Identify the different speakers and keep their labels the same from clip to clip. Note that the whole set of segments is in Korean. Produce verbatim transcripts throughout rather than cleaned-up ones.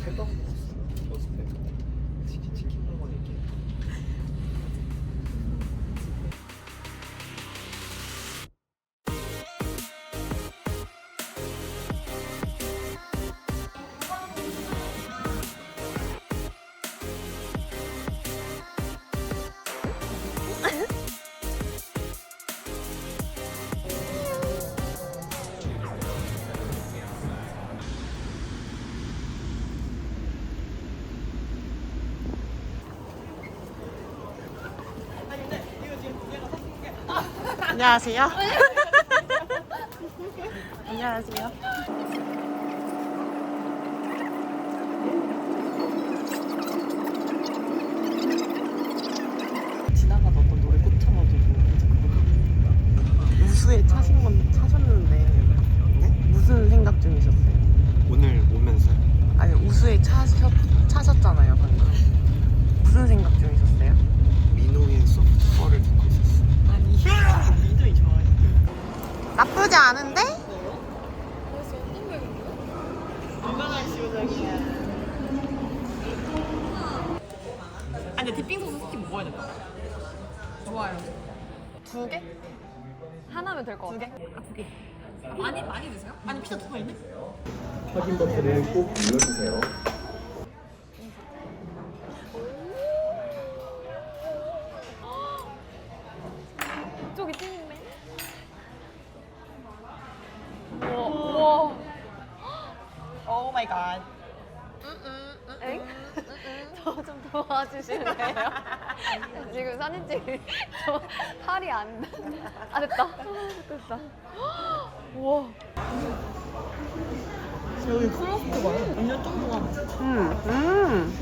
Speaker 1: 햄버거 먹었어. 버스페. 치킨 치킨 먹어 얘기.
Speaker 2: 안녕하세요. 안녕하세요. 지나가다 어떤 노래 꽂혀가지고 우수에 차신 건 차셨는데 네? 무슨 생각 중이셨어요?
Speaker 1: 오늘 오면서
Speaker 2: 아니 우수에 차셨, 차셨잖아요 방금. 무슨 생각 중이셨어요?
Speaker 1: 민호의 소프트볼을 듣고 있었어.
Speaker 2: 아니 민호이 좋아해. 나쁘지 않은데?
Speaker 3: 벌써 어떤 배우인데요?
Speaker 2: 건강한 시우정이야. 아니 근데 디핑 소스 스틱 먹어야 될까?
Speaker 3: 좋아요.
Speaker 2: 두 개?
Speaker 3: 하나면 될 것
Speaker 2: 두 개?
Speaker 3: 같아요.
Speaker 2: 아, 두 개.
Speaker 3: 많이 많이 드세요?
Speaker 2: 아니 피자 두 개 있네?
Speaker 1: 확인 버튼을 꼭 눌러주세요.
Speaker 3: 이쪽이 찐이네. 우와, 우와.
Speaker 2: 오 마이 갓.
Speaker 3: 엥? 저 좀 도와주실래요? 지금 사진 찍을 저 팔이 안, 아 됐다. 됐다. 우와.
Speaker 2: 여기 크로스트 봐요. 완전 쫀쫀한. 음, 음.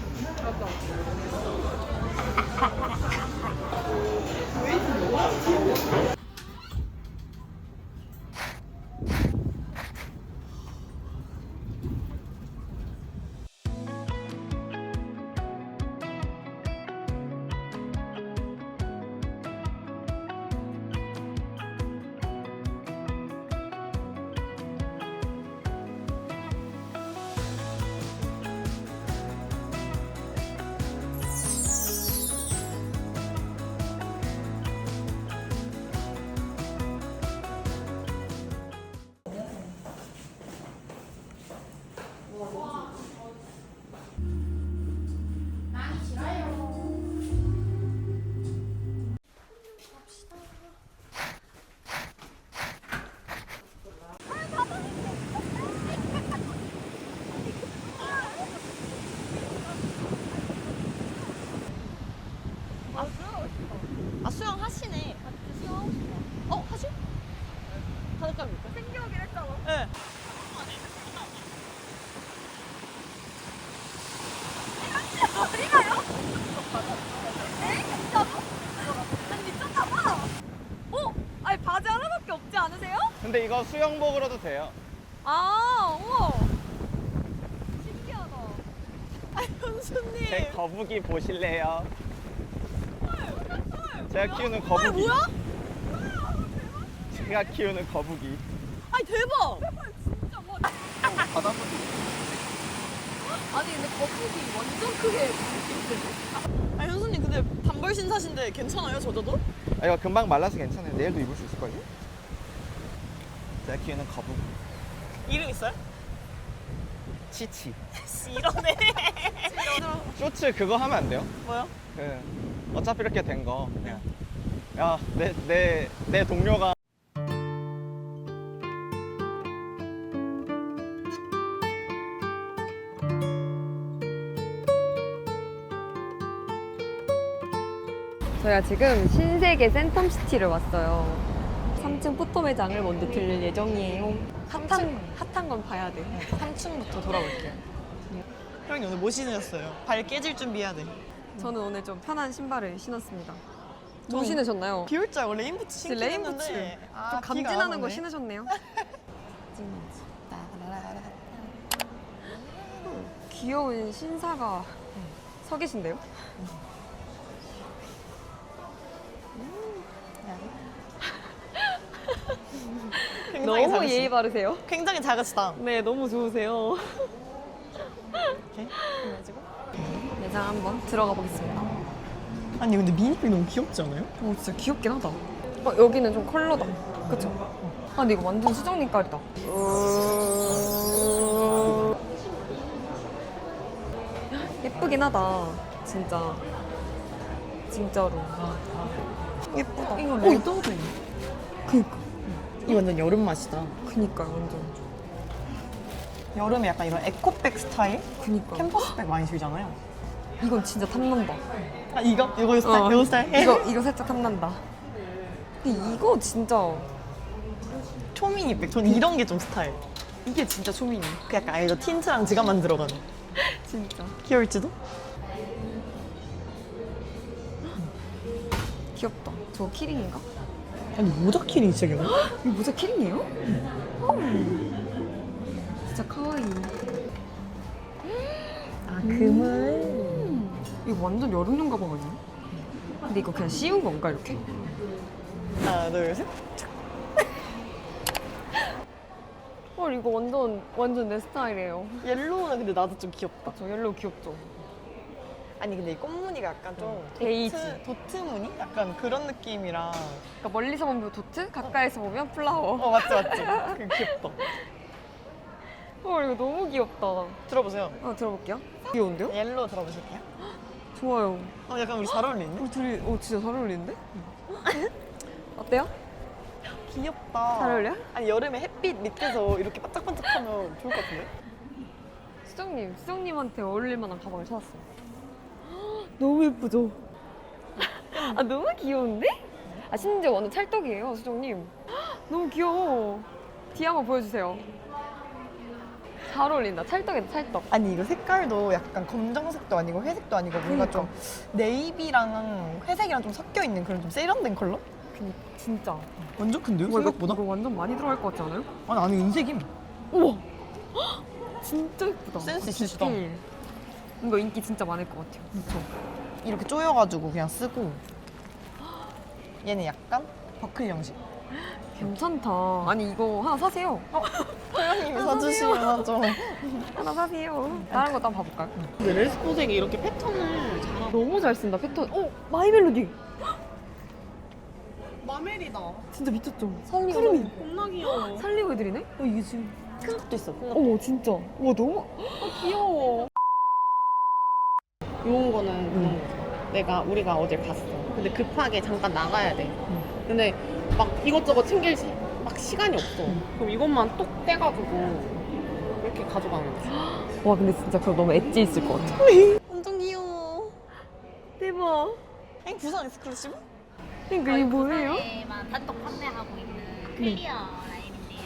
Speaker 2: 아 수영 하시네.
Speaker 3: 같이 수영하고 싶어.
Speaker 2: 어 하실? 가족감 있까?
Speaker 3: 생기하긴 했잖아.
Speaker 2: 네.
Speaker 3: 어디 가요? 에? 진짜로? 아니 미쳤나봐. 어? 아니 바지 하나밖에 없지 않으세요?
Speaker 1: 근데 이거 수영복으로도 돼요.
Speaker 3: 아, 우와. 신기하다.
Speaker 2: 아 현수님.
Speaker 1: 제 거북이 보실래요? 제가 키우는 거북이.
Speaker 2: 아 뭐야?
Speaker 1: 제가 키우는 거북이.
Speaker 2: 아니 대박.
Speaker 3: 진짜 뭐.
Speaker 1: 바다
Speaker 3: 아니 근데 거북이 완전 크게
Speaker 2: 아 현수님 근데 단벌 신사신데 괜찮아요 젖어도?
Speaker 1: 아, 이거 금방 말라서 괜찮아요. 내일도 입을 수 있을걸요? 제가 키우는 거북이.
Speaker 2: 이름 있어요?
Speaker 1: 치치.
Speaker 2: 씨 이러네.
Speaker 1: 쇼츠 그거 하면 안 돼요?
Speaker 2: 뭐요?
Speaker 1: 그 어차피 이렇게 된 거 그냥 야내 내 내 동료가
Speaker 3: 저희가 지금 신세계 센텀시티를 왔어요. 삼 층 포토 매장을 먼저 들릴 예정이에요. 핫한, 핫한 건 봐야 돼.
Speaker 2: 삼 층부터 돌아볼게요. 형님 오늘 뭐 신으셨어요? 발 깨질 준비해야 돼.
Speaker 3: 저는 오늘 좀 편한 신발을 신었습니다. 뭐
Speaker 2: 전
Speaker 3: 신으셨나요?
Speaker 2: 비 올 줄 알고 레인부츠 신긴
Speaker 3: 레인부츠.
Speaker 2: 했는데
Speaker 3: 좀
Speaker 2: 아, 비가
Speaker 3: 감진하는
Speaker 2: 안
Speaker 3: 거
Speaker 2: 오네.
Speaker 3: 신으셨네요. 귀여운 신사가 서 계신데요?
Speaker 2: 굉장히
Speaker 3: 너무
Speaker 2: 작으시-
Speaker 3: 예의 바르세요.
Speaker 2: 굉장히 작으시다.
Speaker 3: 네, 너무 좋으세요.
Speaker 2: 이렇게 해가지고.
Speaker 3: 매장 한번 들어가 보겠습니다.
Speaker 2: 아니 근데 미니백 너무 귀엽지 않아요?
Speaker 3: 오 진짜 귀엽긴 하다. 어, 여기는 좀 컬러다. 그쵸? 아 근데 이거 완전 수정님 깔이다. 예쁘긴 하다. 진짜. 진짜로. 예쁘다.
Speaker 2: 이거 레더도 있네.
Speaker 3: 그니까.
Speaker 2: 이거 완전 여름 맛이다.
Speaker 3: 그니까 완전.
Speaker 2: 여름에 약간 이런 에코백 스타일?
Speaker 3: 그니까.
Speaker 2: 캔버스백 많이 쓰잖아요.
Speaker 3: 이건 진짜 탐난다.
Speaker 2: 아 이거? 이거 스타일?
Speaker 3: 어.
Speaker 2: 이거 스타일?
Speaker 3: 이거 이거 살짝 탐난다. 근데 이거 진짜
Speaker 2: 초미니백. 전 이런 게 좀 스타일.
Speaker 3: 이게 진짜 초미니.
Speaker 2: 그 약간 알죠? 틴트랑 지갑만 들어가는.
Speaker 3: 진짜.
Speaker 2: 귀여울지도?
Speaker 3: 귀엽다. 저거 키링인가?
Speaker 2: 아니 모자 키링 진짜 귀여워.
Speaker 3: 이거 모자 키링이에요? 음. 진짜 카와이.
Speaker 2: 아 금을.
Speaker 3: 음. 이거 완전 여름용 가방 아니야? 근데 이거 그냥 씌운 건가 이렇게?
Speaker 2: 하나 둘 셋.
Speaker 3: 헐 이거 완전 완전 내 스타일이에요.
Speaker 2: 옐로우는 근데 나도 좀 귀엽다.
Speaker 3: 저 옐로우 귀엽죠?
Speaker 2: 아니 근데 이 꽃무늬가 약간 좀
Speaker 3: 베이지.
Speaker 2: 도트, 도트 무늬? 약간 그런 느낌이랑.
Speaker 3: 그러니까 멀리서 보면 도트, 가까이서 보면 플라워.
Speaker 2: 어 맞지 맞지. 그 귀엽다.
Speaker 3: 헐 이거 너무 귀엽다.
Speaker 2: 들어보세요.
Speaker 3: 아 들어볼게요. 귀여운데요?
Speaker 2: 옐로우 들어보실게요.
Speaker 3: 좋아요.
Speaker 2: 어 약간 우리 잘 어울리는데?
Speaker 3: 우리 둘이 어 진짜 잘 어울리는데? 어때요?
Speaker 2: 귀엽다.
Speaker 3: 잘 어울려?
Speaker 2: 아니 여름에 햇빛 밑에서 이렇게 반짝반짝하면 좋을 것 같은데?
Speaker 3: 수정님, 수정님한테 어울릴 만한 가방을 찾았어요. 너무 예쁘죠? 아 너무 귀여운데? 아 심지어 완전 찰떡이에요, 수정님. 너무 귀여워. 뒤에 한번 보여주세요. 잘 어울린다. 찰떡이다, 찰떡.
Speaker 2: 아니 이거 색깔도 약간 검정색도 아니고 회색도 아니고 뭔가
Speaker 3: 그러니까.
Speaker 2: 좀 네이비랑 회색이랑 좀 섞여 있는 그런 좀 세련된 컬러?
Speaker 3: 그니 진짜.
Speaker 2: 완전 큰데요?
Speaker 3: 와, 이거,
Speaker 2: 생각보다?
Speaker 3: 이거 완전 많이 들어갈 것 같지 않아요?
Speaker 2: 아니 안에 은색임.
Speaker 3: 우와! 진짜 예쁘다.
Speaker 2: 센스
Speaker 3: 아,
Speaker 2: 있으시다.
Speaker 3: 디테일. 이거 인기 진짜 많을 것 같아요. 그쵸?
Speaker 2: 이렇게 조여가지고 그냥 쓰고. 얘는 약간 버클 형식.
Speaker 3: 괜찮다. 아니 이거 하나 사세요.
Speaker 2: 소연님이
Speaker 3: 아,
Speaker 2: 사주시면 좀.
Speaker 3: 하나 사세요. 다른 것도 한번 봐볼까요?
Speaker 2: 근데 레스포색이 이렇게 패턴을 잘.
Speaker 3: 너무 잘 쓴다 패턴. 어 마이멜로디.
Speaker 2: 마멜이다.
Speaker 3: 진짜 미쳤죠?
Speaker 2: 살리고
Speaker 3: 푸르미.
Speaker 2: 겁나 귀여워.
Speaker 3: 살리고 해드리네? 어 이게 지금.
Speaker 2: 큰 것도 있어. 큰 거.
Speaker 3: 어머 진짜. 와 너무 어, 귀여워.
Speaker 4: 이런 거는 그런 거죠. 내가 우리가 어딜 갔어. 근데 급하게 잠깐 나가야 돼. 근데 막 이것저것 챙길 시, 막 시간이 없어. 그럼 이것만 똑 떼가지고 이렇게 가져가는 거지.
Speaker 3: 와 근데 진짜 그거 너무 엣지 있을 것 같아.
Speaker 2: 완전 귀여워.
Speaker 3: 대박.
Speaker 2: 엥 부산 익스클루시브?
Speaker 3: 그러니까 이게 뭐예요?
Speaker 5: 부산에만 단독 판매하고 있는 클리어 라인인데요.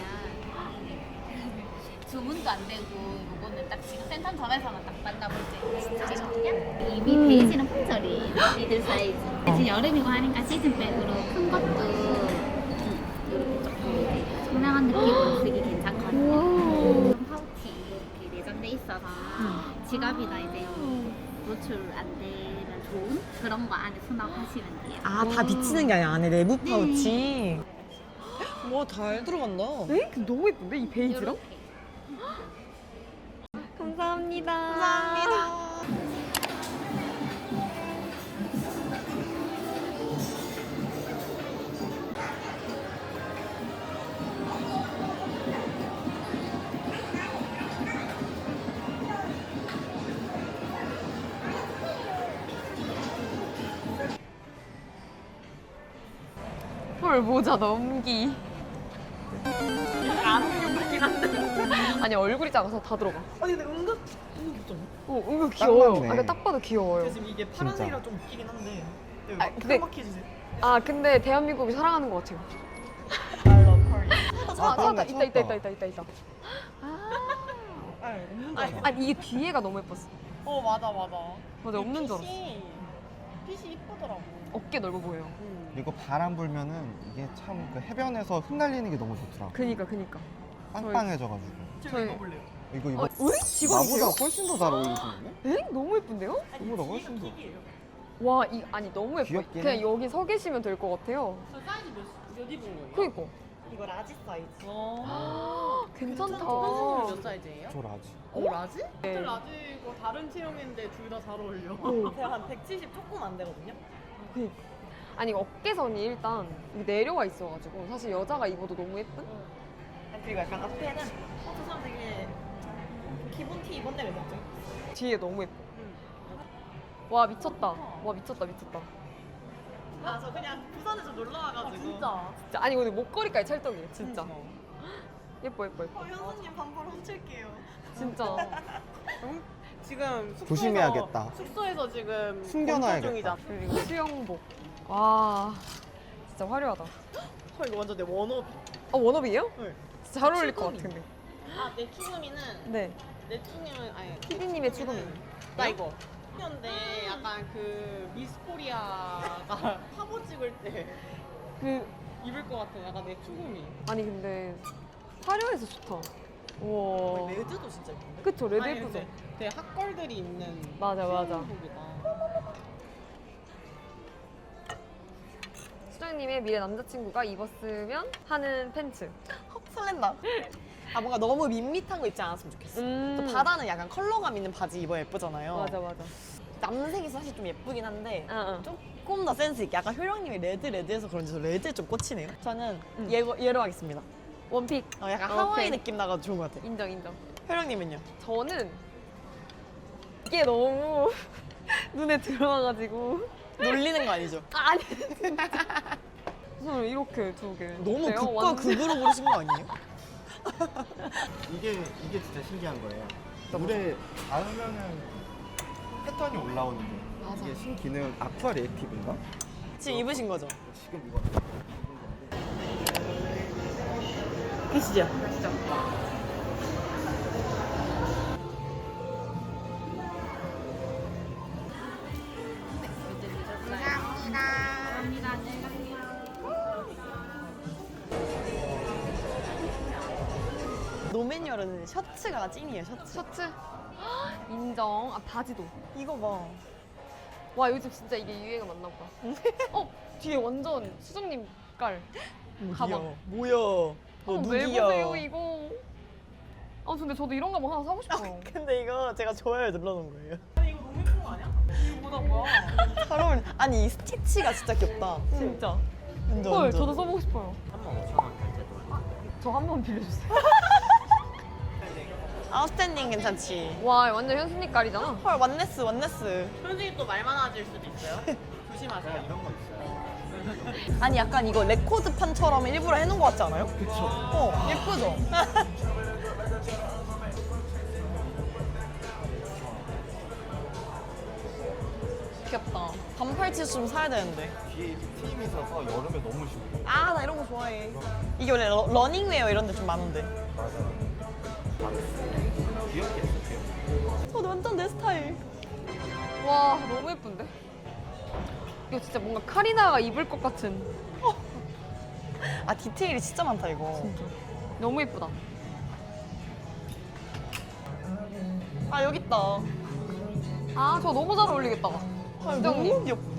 Speaker 5: 주문도 안 되고 요거는 딱 지금 센텀점에서만 딱 만나볼 수 있는 스타일이거든요. 이미 베이지는 품절이에요. 미들 사이즈. 지금 여름이고 하니까 시즌백으로 큰 것도 음, 이렇게 조금 청량한 느낌으로 쓰기 괜찮거든요. 파우치 이렇게 내장돼 있어서 지갑이나 이제 노출 안 되면 좋은 그런 거 안에 수납하시면 돼요.
Speaker 2: 아 다 비치는 게 아니라 안에 내부 파우치. 와 잘 들어간다.
Speaker 3: 에? 너무 예쁜데 이 베이지랑?
Speaker 5: 이렇게.
Speaker 3: 감사합니다.
Speaker 2: 감사합니다.
Speaker 3: 헐 모자 넘기. 안 웃긴 한데. 아니 얼굴이 작아서 다 들어가.
Speaker 2: 아니 근데 은근 은근 귀엽잖아.
Speaker 3: 어 은근 귀여워요.
Speaker 1: 맞네.
Speaker 3: 아, 근데 딱 봐도 귀여워요.
Speaker 2: 지금 이게 파란색이랑 좀 웃기긴 한데. 여기
Speaker 3: 아,
Speaker 2: 막
Speaker 3: 근데-
Speaker 2: 까맣게 해주세요.
Speaker 3: 아 근데 대한민국이 사랑하는 것 같아요.
Speaker 2: I love Korea.
Speaker 3: 아 찾았다.
Speaker 1: 찾았다.
Speaker 3: 있다 있다 있다 있다 있다 있다.
Speaker 2: 아, 없는 줄
Speaker 3: 아니,
Speaker 2: 알았어.
Speaker 3: 아니 이게 뒤에가 너무 예뻤어.
Speaker 2: 어 맞아 맞아.
Speaker 3: 맞아 없는 줄 알았어.
Speaker 2: 핏이 핏이 이쁘더라고.
Speaker 3: 어깨 넓어 보여요.
Speaker 1: 그리고 바람 불면은 이게 참 그 해변에서 흩날리는 게 너무 좋더라고.
Speaker 3: 그니까 그니까.
Speaker 1: 빵빵해져가지고.
Speaker 2: 저희
Speaker 3: 저희-
Speaker 2: 이거 볼래요?
Speaker 1: 이거 이거
Speaker 3: 어, 왜? 직원이세요?
Speaker 1: 나보다 훨씬 더 잘 어울리시는데?
Speaker 3: 에? 너무 예쁜데요?
Speaker 1: 이거보다 훨씬 더.
Speaker 3: 와, 이 아니 너무 예뻐.
Speaker 1: 귀엽긴
Speaker 3: 그냥
Speaker 1: 해.
Speaker 3: 여기 서 계시면 될 것 같아요.
Speaker 4: 저 사이즈 몇, 몇 입은 거예요?
Speaker 3: 그니까.
Speaker 2: 이거 라지 사이즈.
Speaker 3: 괜찮다.
Speaker 4: 선생님이 몇 사이즈예요?
Speaker 1: 저 라지.
Speaker 4: 어 라지? 네. 라지고 다른 체형인데 둘 다 잘 어울려.
Speaker 2: 제가 한 백칠십 조금 안 되거든요.
Speaker 3: 아니 어깨선이 일단 내려와 있어가지고 사실 여자가 입어도 너무 예쁜?
Speaker 2: 그리고 약간 앞에는 어, 저 사람 되게 기본 티 입었네 이랬죠.
Speaker 3: 뒤에 너무 예뻐. 와 미쳤다. 와 미쳤다 미쳤다.
Speaker 2: 아, 저 그냥 부산에 좀 놀러 와가지고. 진짜.
Speaker 3: 진짜 아니 근데 목걸이까지 찰떡이에요 진짜. 예뻐 예뻐 예뻐.
Speaker 2: 어, 현수님 반팔 훔칠게요.
Speaker 3: 진짜.
Speaker 4: 지금 숙소에서,
Speaker 1: 조심해야겠다.
Speaker 4: 숙소에서 지금
Speaker 1: 숨겨놔야겠다.
Speaker 4: 검사 중이잖아.
Speaker 3: 그리고 수영복. 와 진짜 화려하다.
Speaker 4: 헐 이거 완전 내 원업이.
Speaker 3: 어 원업이에요?
Speaker 4: 네.
Speaker 3: 진짜 잘 어울릴 것
Speaker 4: 추구미.
Speaker 3: 같은데.
Speaker 4: 아내 추구미는
Speaker 3: 네.
Speaker 4: 내 추구미는 아니
Speaker 3: 피디님의 추구미.
Speaker 4: 나 이거. 근데 약간 그 미스 코리아가 화보 찍을 때
Speaker 3: 그
Speaker 4: 입을 것 같은 약간 내 추구미.
Speaker 3: 아니 근데 화려해서 좋다. 우와.
Speaker 2: 레드도 진짜 예쁜데?
Speaker 3: 그쵸 레드
Speaker 4: 아니,
Speaker 3: 예쁘죠?
Speaker 4: 근데 되게 핫걸들이 입는
Speaker 3: 맞아, 맞아.
Speaker 4: 수영복이다.
Speaker 3: 수정님의 미래 남자친구가 입었으면 하는 팬츠.
Speaker 2: 설렌다. 아 뭔가 너무 밋밋한 거 입지 않았으면 좋겠어.
Speaker 3: 음.
Speaker 2: 또 바다는 약간 컬러감 있는 바지 입어야 예쁘잖아요.
Speaker 3: 맞아 맞아.
Speaker 2: 남색이 사실 좀 예쁘긴 한데
Speaker 3: 어, 어.
Speaker 2: 조금 더 센스 있게. 약간 효령님이 레드 레드해서 그런지 저 레드에 좀 꽂히네요. 저는
Speaker 3: 음.
Speaker 2: 얘로, 얘로 하겠습니다.
Speaker 3: 원픽.
Speaker 2: 어, 약간
Speaker 3: 오케이.
Speaker 2: 하와이 느낌 나가지고 좋은 것 같아.
Speaker 3: 인정 인정.
Speaker 2: 효령님은요?
Speaker 3: 저는 이게 너무 눈에 들어와가지고
Speaker 2: 놀리는 거 아니죠?
Speaker 3: 아니 저는 이렇게 두 개.
Speaker 2: 너무
Speaker 3: 어때요?
Speaker 2: 극과
Speaker 3: 완전-
Speaker 2: 극으로 고르신 거 아니에요?
Speaker 6: 이게 이게 진짜 신기한 거예요. 물에 닿으면은 패턴이 올라오는 게 이게 신기능 아쿠아 리액티브인가?
Speaker 2: 지금 입으신 거죠?
Speaker 6: 지금 이거
Speaker 2: 계시죠? 노매뉴얼은 셔츠가 찐이에요, 셔츠.
Speaker 3: 셔츠 인정. 아 바지도.
Speaker 2: 이거 봐.
Speaker 3: 와 요즘 진짜 이게 유행가 맞나 보다. 어 뒤에 완전 수정님 깔. 가방.
Speaker 2: 뭐야? 너
Speaker 3: 어, 왜 보세요
Speaker 2: 누구야?
Speaker 3: 이거. 아 근데 저도 이런 가방 하나 사고 싶어요.
Speaker 2: 근데 이거 제가 좋아요 눌러놓은 거예요.
Speaker 4: 아니 이거 너무 예쁜 거 아니야? 이거보다 뭐야?
Speaker 2: 잘 어울려. 아니 이 스티치가 진짜 귀엽다.
Speaker 3: 진짜.
Speaker 2: 완전
Speaker 3: 헐
Speaker 2: 완전.
Speaker 3: 저도 써보고 싶어요.
Speaker 6: 한번 오천 원 결제도.
Speaker 3: 저 한 번 빌려주세요.
Speaker 2: 아웃스탠딩 괜찮지?
Speaker 3: 와 완전 현수님 깔이잖아.
Speaker 2: 헐 완네스 완네스.
Speaker 4: 현진이 또 말 많아질 수도 있어요. 조심하세요.
Speaker 6: 이런 거 있어요.
Speaker 2: 아니 약간 이거 레코드판처럼 일부러 해놓은 거 같지 않아요? 그쵸. 어 예쁘죠? 귀엽다. 반팔 티셔츠 좀 사야 되는데.
Speaker 6: 뒤에 이렇게 트임이 있어서 여름에 너무 좋고.
Speaker 2: 아 나 이런 거 좋아해. 이게 원래 러, 러닝웨어 이런 데 좀 많은데.
Speaker 6: 맞아요. 귀엽게 했어, 귀엽게.
Speaker 2: 어 완전 내 스타일.
Speaker 3: 와 너무 예쁜데? 이거 진짜 뭔가 카리나가 입을 것 같은.
Speaker 2: 아 디테일이 진짜 많다 이거.
Speaker 3: 너무 예쁘다.
Speaker 2: 아 여기 있다.
Speaker 3: 아 저 너무 잘 어울리겠다.
Speaker 2: 아, 너무
Speaker 3: 수정님
Speaker 2: 귀엽다.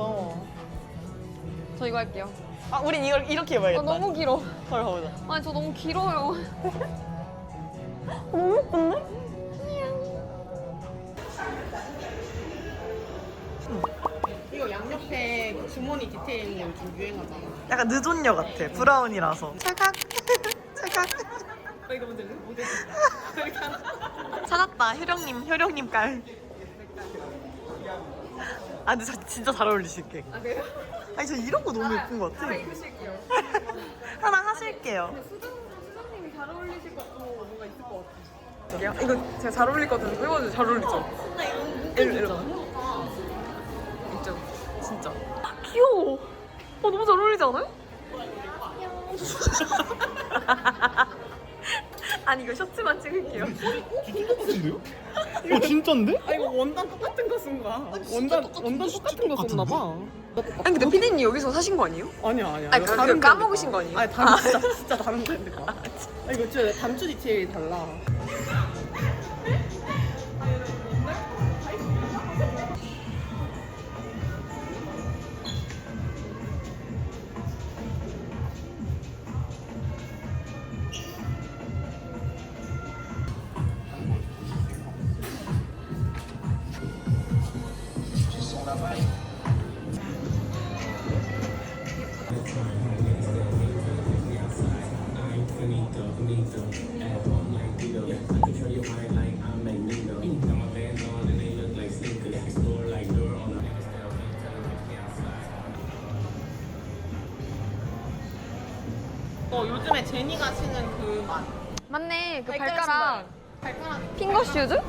Speaker 3: 저 이거 할게요.
Speaker 2: 아 우린 이걸 이렇게
Speaker 3: 아
Speaker 2: 입어야겠다.
Speaker 3: 너무 길어.
Speaker 2: 헐 가보자.
Speaker 3: 아니 저 너무 길어요.
Speaker 2: 너무 예쁜데?
Speaker 4: 이거 양옆에 그 주머니 디테일 있는 거 요즘 유행하잖아.
Speaker 2: 약간 늦온녀 같아. 브라운이라서. 찰칵. 찰칵.
Speaker 4: 어, 이거 뭔지 알지? 모델. 그렇게 하나.
Speaker 2: 찾았다. 효령님, 효령님 깔. 아 근데 저 진짜 잘 어울리실게.
Speaker 3: 아 그래요?
Speaker 2: 아니 저 이런 거 너무 예쁜 것 같아.
Speaker 3: 하나 입으실게요.
Speaker 2: 하나 하실게요.
Speaker 3: 수정 수정님이 잘 어울리실 것도 뭔가 있을 것 같아. 저기요? 이거 제가 잘 어울릴 것 같은데 해봐도 잘 어울리죠?
Speaker 2: 나 이거
Speaker 3: 이리 이리 있죠. 진짜. 아, 귀여워. 어 너무 잘 어울리지 않아요? 아니 이거 셔츠만 찍을게요.
Speaker 6: 똑같은데요? 어, 진짠데?
Speaker 4: 아 이거 원단 똑같은 거 쓴 거야. 원단 원단 똑같은 거 썼나 봐.
Speaker 3: 아니 근데 피디님 여기서 사신 거 아니에요?
Speaker 4: 아니야 아니야.
Speaker 3: 아니
Speaker 4: 이거
Speaker 3: 그,
Speaker 4: 다른
Speaker 3: 그
Speaker 4: 브랜드
Speaker 3: 까먹으신
Speaker 4: 거야.
Speaker 3: 거 아니에요?
Speaker 4: 아니 다른 진짜 진짜 다른 브랜드 거야. 아 이거 진짜 단추 디테일이 달라. 어 요즘에 제니가 신은 그 맛.
Speaker 3: 맞네. 그
Speaker 4: 발가락
Speaker 3: 발가락.
Speaker 4: 발가락.
Speaker 3: 핑거 슈즈?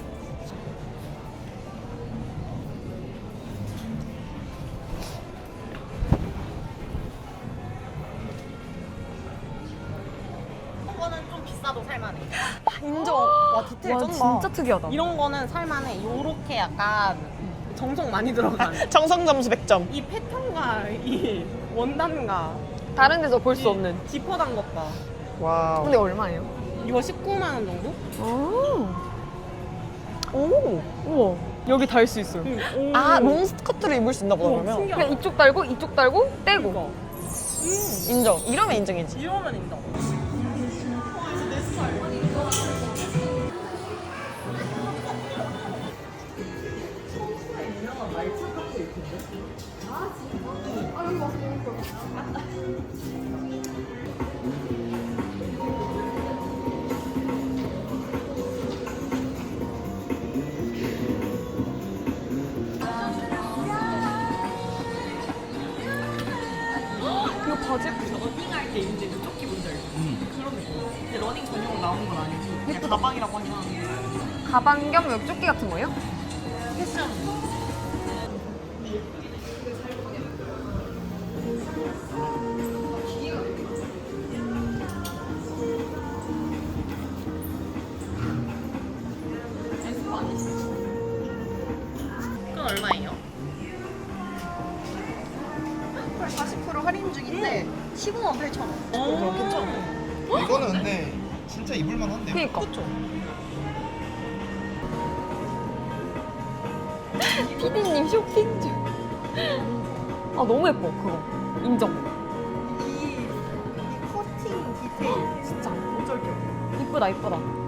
Speaker 4: 이거는 좀 비싸도 살만해.
Speaker 2: 인정. 와 디테일
Speaker 3: 와
Speaker 2: 쩐다.
Speaker 3: 진짜 특이하다.
Speaker 4: 이런 거는 살만해. 요렇게 약간 정성 많이 들어간.
Speaker 2: 정성 점수 백 점.
Speaker 4: 이 패턴과 이 원단과
Speaker 3: 다른 데서 볼 수 없는.
Speaker 4: 지퍼 단 것 봐.
Speaker 2: 와우.
Speaker 3: 근데 얼마예요?
Speaker 4: 이거 십구만 원 정도?
Speaker 3: 아.
Speaker 2: 오.
Speaker 3: 우와. 여기 달 수 있어요.
Speaker 4: 응.
Speaker 2: 아 롱스커트를 입을 수 있나 보다 그러면.
Speaker 4: 신기하다.
Speaker 3: 그냥 이쪽 달고 이쪽 달고 떼고.
Speaker 4: 이거.
Speaker 2: 인정. 이러면 인정이지.
Speaker 4: 이러면 인정.
Speaker 3: 이거 바지
Speaker 4: 러닝할 때 이제 그 조끼 뭔지 알죠? 그런 느낌. 근데 러닝 전용으로 나온 건 아니고 그냥 가방이라고 하긴 하는데.
Speaker 3: 가방 겸 옆조끼 같은 거예요?
Speaker 4: 패션. 그건 얼마예요?
Speaker 2: 사십 퍼센트 할인 중인데 십오만 팔천 원.
Speaker 4: 어,
Speaker 2: 괜찮아.
Speaker 6: 이거는 근데 진짜 입을만 한데요?
Speaker 3: 그니까.
Speaker 2: 그쵸?
Speaker 3: 피디님 쇼핑 중. 아 너무 예뻐 그거. 인정.
Speaker 2: 이, 이 커팅 디테일 진짜 어쩔 게 없네.
Speaker 3: 이쁘다 이쁘다.